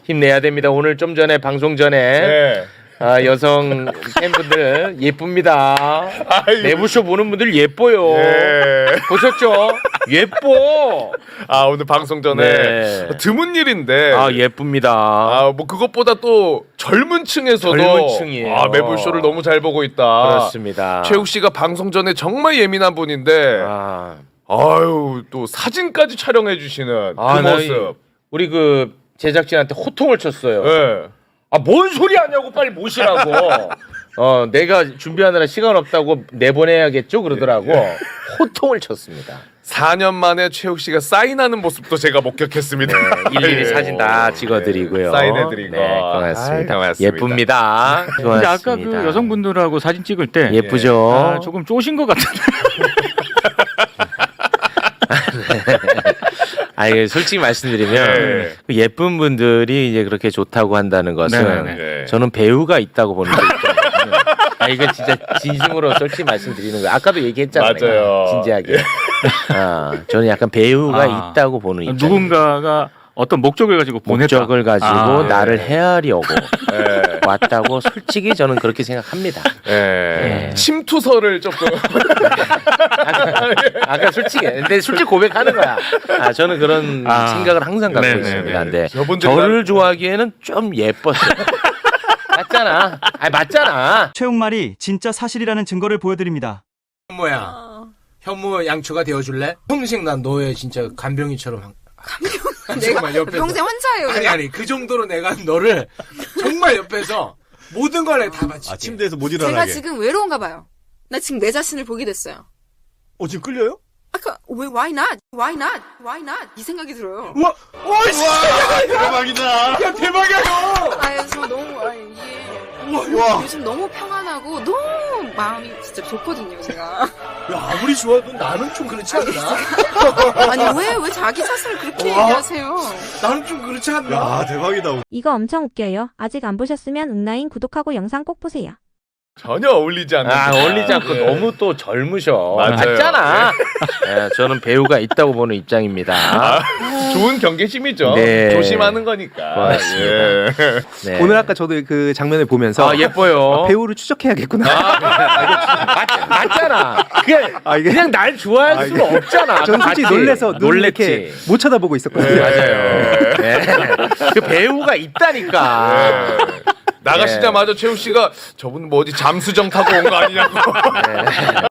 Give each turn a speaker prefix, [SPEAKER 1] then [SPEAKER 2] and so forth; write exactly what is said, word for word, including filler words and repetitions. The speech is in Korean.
[SPEAKER 1] 힘내야 됩니다. 오늘 좀 전에 방송 전에
[SPEAKER 2] 네.
[SPEAKER 1] 아, 여성 팬분들 예쁩니다.
[SPEAKER 2] 아이고.
[SPEAKER 1] 내부쇼 보는 분들 예뻐요.
[SPEAKER 2] 예.
[SPEAKER 1] 보셨죠? 예뻐.
[SPEAKER 2] 아 오늘 방송 전에
[SPEAKER 1] 네.
[SPEAKER 2] 드문 일인데.
[SPEAKER 1] 아 예쁩니다.
[SPEAKER 2] 아, 뭐 그것보다 또 젊은 층에서도
[SPEAKER 1] 젊은 층이에요.
[SPEAKER 2] 아, 매불쇼를 너무 잘 보고 있다.
[SPEAKER 1] 그렇습니다.
[SPEAKER 2] 최욱 씨가 방송 전에 정말 예민한 분인데
[SPEAKER 1] 아,
[SPEAKER 2] 아유 또 사진까지 촬영해 주시는
[SPEAKER 1] 아,
[SPEAKER 2] 그
[SPEAKER 1] 나
[SPEAKER 2] 모습.
[SPEAKER 1] 이- 우리 그 제작진한테 호통을 쳤어요.
[SPEAKER 2] 예.
[SPEAKER 1] 아, 뭔 소리 하냐고 빨리 모시라고. 어, 내가 준비하느라 시간 없다고 내보내야겠죠 그러더라고. 호통을 쳤습니다.
[SPEAKER 2] 사 년 만에 최욱 씨가 사인하는 모습도 제가 목격했습니다.
[SPEAKER 1] 네, 일일이
[SPEAKER 2] 예.
[SPEAKER 1] 사진 다 찍어드리고요.
[SPEAKER 2] 네, 사인해드리고.
[SPEAKER 1] 네, 고맙습니다.
[SPEAKER 2] 아이, 고맙습니다.
[SPEAKER 1] 예쁩니다.
[SPEAKER 3] 근데 아까
[SPEAKER 1] 고맙습니다.
[SPEAKER 3] 그 여성분들하고 사진 찍을 때
[SPEAKER 1] 예쁘죠.
[SPEAKER 3] 아, 조금 쪼신 것 같은데.
[SPEAKER 1] 아, 이게 솔직히 말씀드리면
[SPEAKER 2] 네.
[SPEAKER 1] 그 예쁜 분들이 이제 그렇게 좋다고 한다는 것은
[SPEAKER 3] 네네네.
[SPEAKER 1] 저는 배우가 있다고 보는 게 있거든요. 아, 이건 진짜 진심으로 솔직히 말씀드리는 거예요. 아까도 얘기했잖아요.
[SPEAKER 2] 맞아요.
[SPEAKER 1] 내가. 진지하게. 아, 저는 약간 배우가
[SPEAKER 3] 아,
[SPEAKER 1] 있다고 보는 입장.
[SPEAKER 3] 누군가가 어떤 목적을 가지고 보냈다.
[SPEAKER 1] 목적을 가지고
[SPEAKER 3] 아,
[SPEAKER 1] 나를
[SPEAKER 2] 네.
[SPEAKER 1] 헤아려고
[SPEAKER 2] 예.
[SPEAKER 1] 왔다고 솔직히 저는 그렇게 생각합니다.
[SPEAKER 2] 예.
[SPEAKER 1] 예.
[SPEAKER 2] 침투서를 조금
[SPEAKER 1] 아까 솔직히 근데 솔직히 고백하는 거야. 아, 저는 그런
[SPEAKER 3] 아,
[SPEAKER 1] 생각을 항상 갖고
[SPEAKER 3] 네네네.
[SPEAKER 1] 있습니다. 근데
[SPEAKER 2] 저분들이랑-
[SPEAKER 1] 저를 좋아하기에는 좀 예뻤어요. 맞잖아. 아, 맞잖아.
[SPEAKER 4] 최욱말이 진짜 사실이라는 증거를 보여드립니다.
[SPEAKER 5] 현모야, 현모 양초가 되어줄래? 평생 난 너의 진짜 간병이처럼 한-
[SPEAKER 6] 내가
[SPEAKER 5] 정말 옆에서.
[SPEAKER 6] 평생 혼자예요.
[SPEAKER 5] 아니 아니 그 정도로 내가 너를 정말 옆에서 모든 걸 내가 다 바칠게.
[SPEAKER 7] 아, 침대에서 못
[SPEAKER 6] 제가
[SPEAKER 7] 일어나게.
[SPEAKER 6] 지금 외로운가 봐요. 나 지금 내 자신을 보게 됐어요.
[SPEAKER 7] 어, 지금 끌려요?
[SPEAKER 6] 아까 왜 why not? Why not? Why not? 이 생각이 들어요.
[SPEAKER 5] 우와, 와, 씨,
[SPEAKER 7] 대박이다.
[SPEAKER 5] 야 대박이야 형.
[SPEAKER 6] 아, 저 너무 아, 이게
[SPEAKER 7] 와.
[SPEAKER 6] 요즘 너무 평안하고 너무 마음이 진짜 좋거든요, 제가.
[SPEAKER 5] 야 아무리 좋아도 나는 좀 그렇지 않나?
[SPEAKER 6] 아니 왜 왜 자기 자신을 그렇게 얘기하세요?
[SPEAKER 5] 나는 좀 그렇지 않나?
[SPEAKER 7] 야, 대박이다.
[SPEAKER 8] 이거 엄청 웃겨요. 아직 안 보셨으면 응라인 구독하고 영상 꼭 보세요.
[SPEAKER 2] 전혀 어울리지 않는.
[SPEAKER 1] 아, 어울리지 않고
[SPEAKER 2] 예.
[SPEAKER 1] 너무 또 젊으셔.
[SPEAKER 2] 맞아요.
[SPEAKER 1] 맞잖아. 예, 저는 배우가 있다고 보는 입장입니다.
[SPEAKER 2] 좋은 경계심이죠.
[SPEAKER 1] 네.
[SPEAKER 2] 조심하는 거니까.
[SPEAKER 1] 고맙습니다.
[SPEAKER 2] 예.
[SPEAKER 1] 네.
[SPEAKER 9] 오늘 아까 저도 그 장면을 보면서
[SPEAKER 1] 아, 예뻐요.
[SPEAKER 9] 배우를 추적해야겠구나.
[SPEAKER 1] 아, 맞, 맞잖아. 그냥,
[SPEAKER 9] 아, 이게-
[SPEAKER 1] 그냥 날 좋아할
[SPEAKER 9] 아,
[SPEAKER 1] 수는 없잖아.
[SPEAKER 9] 저는 솔직히
[SPEAKER 1] 봤지?
[SPEAKER 9] 놀래서 눈을 이렇게
[SPEAKER 1] 놀랬지.
[SPEAKER 9] 못 쳐다보고 있었거든요.
[SPEAKER 1] 맞아요. 네. 그 배우가 있다니까.
[SPEAKER 2] 나가시자마자 최욱 씨가 저분 뭐 어디 잠수정 타고 온 거 아니냐고.